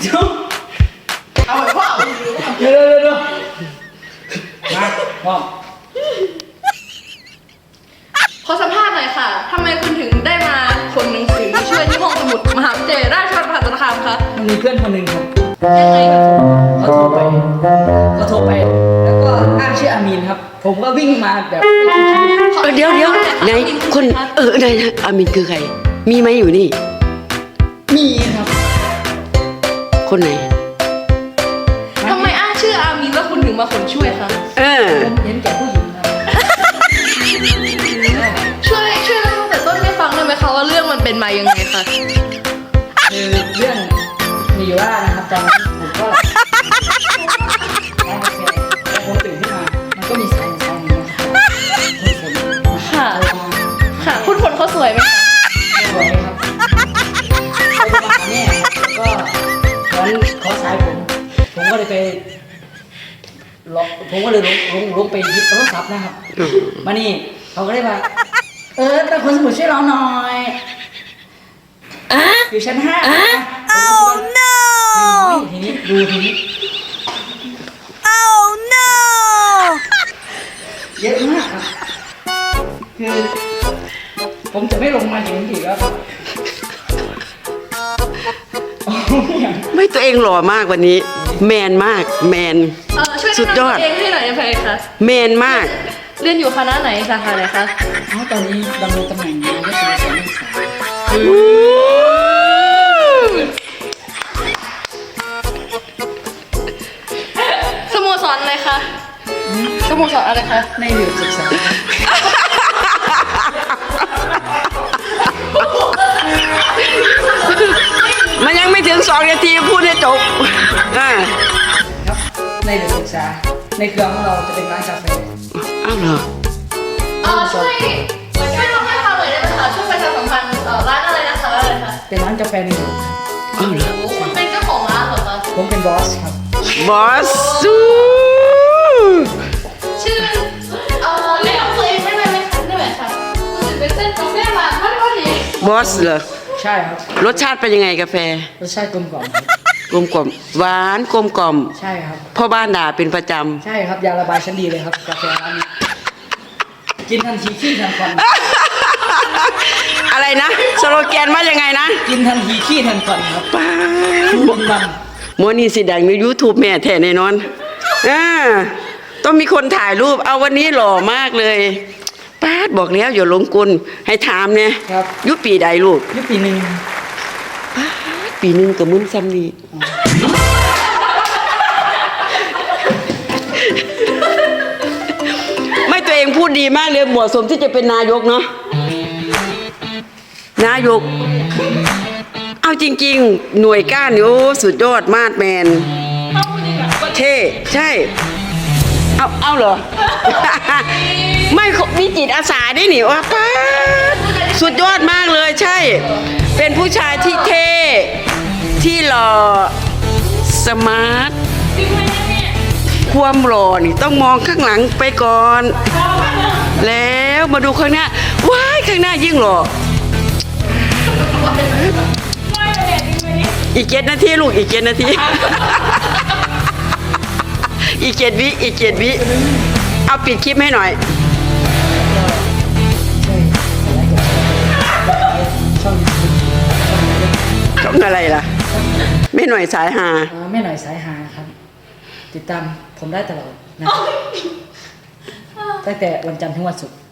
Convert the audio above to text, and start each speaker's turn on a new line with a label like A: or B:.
A: เอาไปพ่อ
B: เดี๋ยวมาพ่อ
C: ขอสัมภาษณ์หน่อยค่ะทำไมคุณถึงได้มาขนหนังสือช่วยที่ห้องสมุดมหาวิทยาลัยราชภัฏมหาสารคามคะ
B: มันมีเพื่อนคนหนึ่งครับ
C: ยังไงคะ
B: เขาโทรไปแล้วก็อ้างชื่ออามีนครับผมก็วิ่งมาแบบ
D: เดี๋ยวไหนคนไหนนะอามินคือใครมีไหมอยู่นี่
B: มีครับ
D: คนไหน
C: ทำไมอ้างชื่ออามีนแล้วคุณถึงมาขนช่วยคะ
B: ผมเห็นแก่ผู้หญิงครับ
C: ช่วยเล่าตั้งแต่ต้นให้ฟังได้ไหมคะว่าเรื่องมันเป็นมายังไงคะ
B: คือเรื่องมีอยู่ว่านะครับตอนนั้นผมก็ผมตื่นขึ้นมามันก็มีสายนี้นะครับ
C: ค่ะคุณฝนเขาสวยไหมคะ
B: สวยครับเขาจะมาหาแม่ก็ขอสายผมก็เลยไปผมก็เลยลงไปหยิบโทรศัพท์นะครับมานี่เขาก็เลยว่าแต่คนสมุดช่วยเราหน่อยอยู่ชั้น5ทีนี้ดูทีนี้เยอะมากคือผมจะไม่ลงมาถึงอีกแล้ว
D: ไม่ตัวเองหล่อมากวันนี้แมนมากแมน
C: สุดยอดเองให้หน่อยได้ไหมคะ
D: แมนมาก
C: เรียนอยู่คณะไหนสาขาไหนคะ
B: ตอนนี้ดำรงตำแหน่งนายกสมาคมนักศึกษา
C: สโมสรอะไรคะสโมสรอะไรคะ
B: ในหลือศึกษา
D: มันยังไม่ถึง2 นาทีพูดให้จบ
B: ครับในหลือศึกษาในเครือของเราจะเป็นร้านกาแฟ
D: อ้าวเหรอ
C: ช่วยเล่าให้ฟังหน่อยได้ไหมคะช่วยประชาสัมพันธ์ร้านอะไรนะคะร้านอะไรคะ
B: เป็นร้านกาแฟในหลือ
D: อ้าวเหรอ
C: คุณเป็นเจ้าของร้านเหรอคะ
B: ผมเป็นบอสครับ
D: บอส
C: ชื่อเรียกตัวเองได้ไหมคะได้ไหมคะคุณถึงเป็นเส้นกาแฟมาพอดี
D: บอสเหรอ
B: ใช่ครับ
D: รสชาติเป็นยังไงกาแฟ
B: รสชาติกลมกล่อม
D: หวานกลมกล่อม
B: ใช่ครับ
D: พ่อบ้านด่าเป็นประจ
B: ำใช่ครับยาระบายชั้นดีเลยครับกาแฟร้านนี้กินทันทีขี้ทันควัน
D: อะไรนะสโลแกนว่ายังไงนะ
B: กินทันทีขี้ทันควันครับป้าบุญบัง
D: โมนี่สิดังใน YouTube แม่แท้แน่นอนต้องมีคนถ่ายรูปเอาวันนี้หล่อมากเลยป้าบอกแล้วอย่าลงกลให้ถามเนี่ยยุปีใดลูก
B: ยุปี1
D: ป้าปี1กับมึงซ้ำนี่ไม่ตัวเองพูดดีมากเลยเหมาะสมที่จะเป็นนายกเนาะนายกเอาจริงๆหน่วยก้านโอ้สุดยอดมาดแมนเท่ใช่เอาเหรอ ไม่มีจิตอาสาได้หนิว่าป้าสุดยอดมากเลยใช่เป็นผู้ชายที่เท่ที่หล่อสมาร์ทความหล่อนี่ต้องมองข้างหลังไปก่อนแล้วมาดูข้างหน้าว้ายข้างหน้ายิ่งหล่ออีก7 นาทีลูกอีก7 นาทีอีก7 วิเอาปิดคลิปให้หน่อยช่องอะไรล่ะไม่หน่อยสายหา
B: ไม่หน่อยสายหาครับติดตามผมได้ตลอดนะตั้งแต่วันจันทร์ถึงวันศุกร์